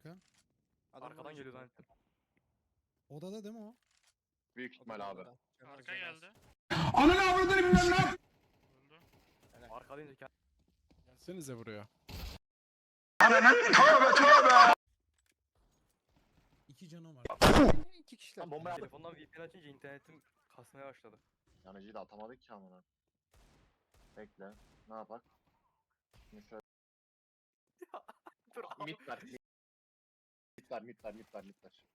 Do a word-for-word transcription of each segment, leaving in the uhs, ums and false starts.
arka. Adam Arkadan bana geliyor çıktı. zannettim. Odada değil mi o? Büyük ihtimal Odada, abi. odada. Canaz, Arka canaz. geldi. Ananı avradını bilmem ne. Öldü. Arka deyince kend- Gelsenize buraya. İki canım var. İki kişiler. Lan bomba telefondan V P N açınca internetim kasmaya başladı. Yanıcıyı da atamadık ki amına. Bekle. Ne yapak? Şimdi şöyle Dur mid ver. Mid ver, mid ver, mid ver, mid ver.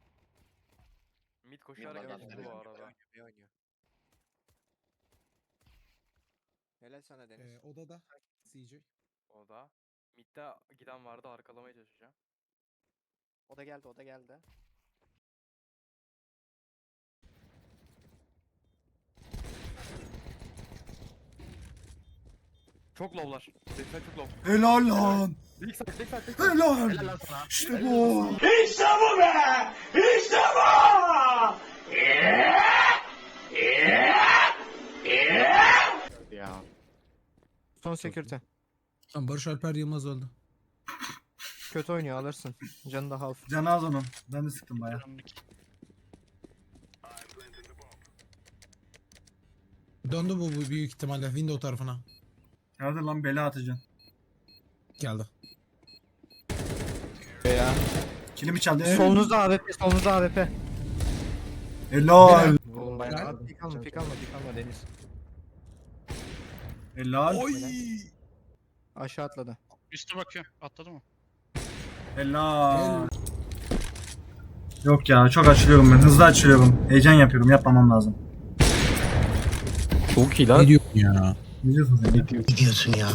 Mid koşarak Mid var, geçti mid bu var. arada. Bir oynuyor. Helal sana Deniz. Ee, odada. C J. O da. Mid'de giden vardı, arkalamaya çalışacağım. O da geldi, o da geldi. Çok low'lar. seksen çok low. Helal lan. Big side, big side, big side. Helal. Helal lan sana. İşte bu. Ya. Son security. Tamam, Barış Alper Yılmaz öldü. Kötü oynuyor, alırsın. Canı da half. Canı az onun. Ben de sıktım baya. Döndü bu, bu büyük ihtimalle window tarafına. Hadi lan bela atacaksın. Geldi. Ya. Kilimi çaldı. Solunuzda A W P, solunuzda A W P. Helal. Oğlum bayağı. Abi pik alma, pik alma, pik alma Deniz. Helal. Aşağı atladı. Üste bakıyor. Atladı mı? Helal. Yok ya çok açılıyorum ben. Hızlı açılıyorum. Heyecan yapıyorum. Yapmamam lazım. Çok iyi Ne diyorsun ya? Ne diyorsun sen ya?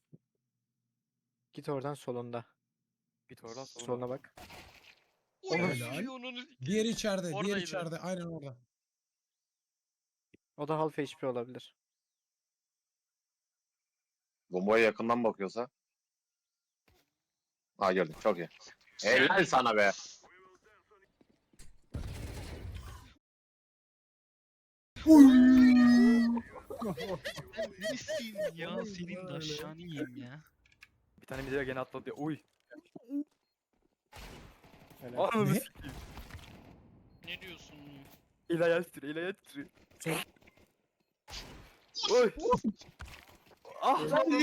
Git oradan solunda. Git oradan sonra. Soluna bak. Helal. Onun Diğer içeride, diğer Oradaydı. içeride. Aynen orada. O da half H P olabilir. Bombaya yakından bakıyorsa. Ha gördüm. Çok iyi. Helal sana be. Nesin ya? Senin de aşağını yiyeyim ya. Bir tane mid'e gene atladı ya. Uy. Helal. Ananı Ne? sikeyim. Ne diyorsun? İl ayağı titriyor, il ayağı titriyor. Sol. Oy. Ah.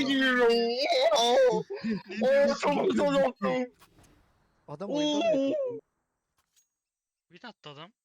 Oo çok güzel oldu. Adam oyunda mı? Bir de attı adam.